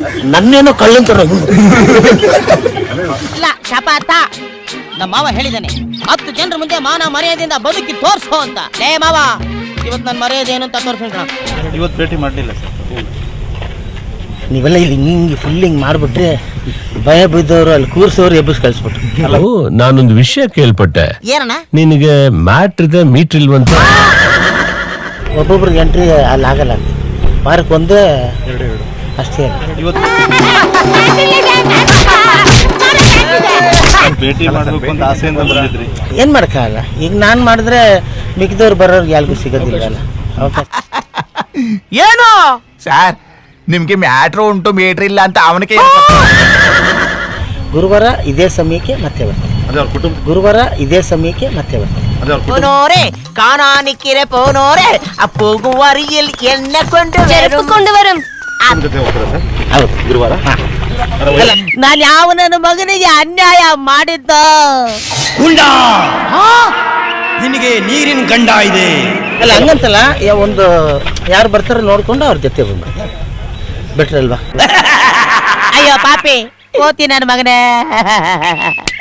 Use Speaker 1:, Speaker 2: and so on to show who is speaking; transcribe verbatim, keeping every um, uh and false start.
Speaker 1: ನನ್ನೇನೋ ಕಳ್ಳಂತಾರ.
Speaker 2: ಇಲ್ಲ ಶಪಥ, ನಮ್ಮ ಮಾವ ಹೇಳಿದಾನೆ ಹತ್ತು ಜನರ ಮುಂದೆ ಮಾನ ಮರ್ಯಾದೆಯಿಂದ ಬದುಕಿ ತೋರ್ಸೋ ಅಂತ. ಲೇ ಮಾವ, ಇವತ್ತು ನನ್ನ ಮರ್ಯಾದೆ ಏನು ಅಂತ ತೋರ್ಸೋಣ.
Speaker 3: ಇವತ್ತು ಭೇಟಿ ಮಾಡಲಿಲ್ಲ ಸರ್.
Speaker 1: ನೀವೆಲ್ಲ ಇಲ್ಲಿ ಹಿಂಗೆ ಫುಲ್ ಹಿಂಗೆ ಮಾಡಿಬಿಟ್ರೆ ಭಯ ಬಿದ್ದವರು ಅಲ್ಲಿ ಕೂರ್ಸೋರು ಎಬ್ಬಿಸ್ ಕಳಿಸ್ಬಿಟ್ರು.
Speaker 4: ನಾನೊಂದು ವಿಷಯ ಕೇಳ್ಪಟ್ಟೆ.
Speaker 2: ಏನಣ್ಣ?
Speaker 4: ನಿನಗೆ ಮ್ಯಾಟ್ರ್ ಇದೆ ಮೀಟ್ರ್ ಇಲ್ವಂತ?
Speaker 1: ಒಬ್ಬೊಬ್ರಿಗೆ ಎಂಟ್ರಿ ಅಲ್ಲಿ ಆಗಲ್ಲ, ವಾರಕ್ಕೆ ಒಂದೇ ಅಷ್ಟೇ.
Speaker 3: ಭೇಟಿ ಮಾಡಬೇಕು ಅಂತ ಆಸೆಯಿಂದ ಬಂದಿದ್ರಿ.
Speaker 1: ಏನು ಮಾಡೋಕ್ಕಾಗಲ್ಲ. ಈಗ ನಾನು ಮಾಡಿದ್ರೆ ಮಿಕ್ಕಿದವ್ರು ಬರೋರ್ಗೆ ಯಾರಿಗೂ ಸಿಗೋದಿಲ್ಲಲ್ಲ ಅವಕಾಶ.
Speaker 5: ಏನು ಸರ್, ನಿಮ್ಗೆ ಮ್ಯಾಟ್ರು ಉಂಟು ಮೀಟ್ರ್ ಇಲ್ಲ ಅಂತ ಅವನಿಗೆ
Speaker 1: ಗುರುವಾರ ಇದೇ ಸಮಯಕ್ಕೆ ಮತ್ತೆ ಬರ್ತಾರೆ. ಗುರುವಾರ ಇದೇ ಸಮಯಕ್ಕೆ ಮತ್ತೆ ಬರ್ತಾರೆ.
Speaker 2: ಪೋನೋರೆ ಕಾಣಾನಿಕ್ಕಿರೆ ಪೋನೋರೆ ಅಪ್ಪೋಗು ವರಿಯಲ್ಲಿ ಎಣ್ಣೆ ಕೊಂಡು
Speaker 6: ಕೊಂಡು ವರಂ.
Speaker 1: ಹೌದು, ಗುರುವಾರ.
Speaker 2: ನಾನು ಯಾವ ನನ್ನ ಮಗನಿಗೆ ಅನ್ಯಾಯ ಮಾಡಿದ್ದ?
Speaker 7: ಗುಂಡ ನಿನಗೆ ನೀರಿನ ಗಂಡ ಇದೆ
Speaker 1: ಅಲ್ಲ ಹಂಗಂತಲ್ಲ, ಒಂದು ಯಾರು ಬರ್ತಾರೋ ನೋಡ್ಕೊಂಡು ಅವ್ರ ಜೊತೆ ಬಂದು ಬಿಟ್ರಲ್ವಾ.
Speaker 2: ಅಯ್ಯೋ ಪಾಪಿ, ಓತಿ ನನ್ನ ಮಗನೇ.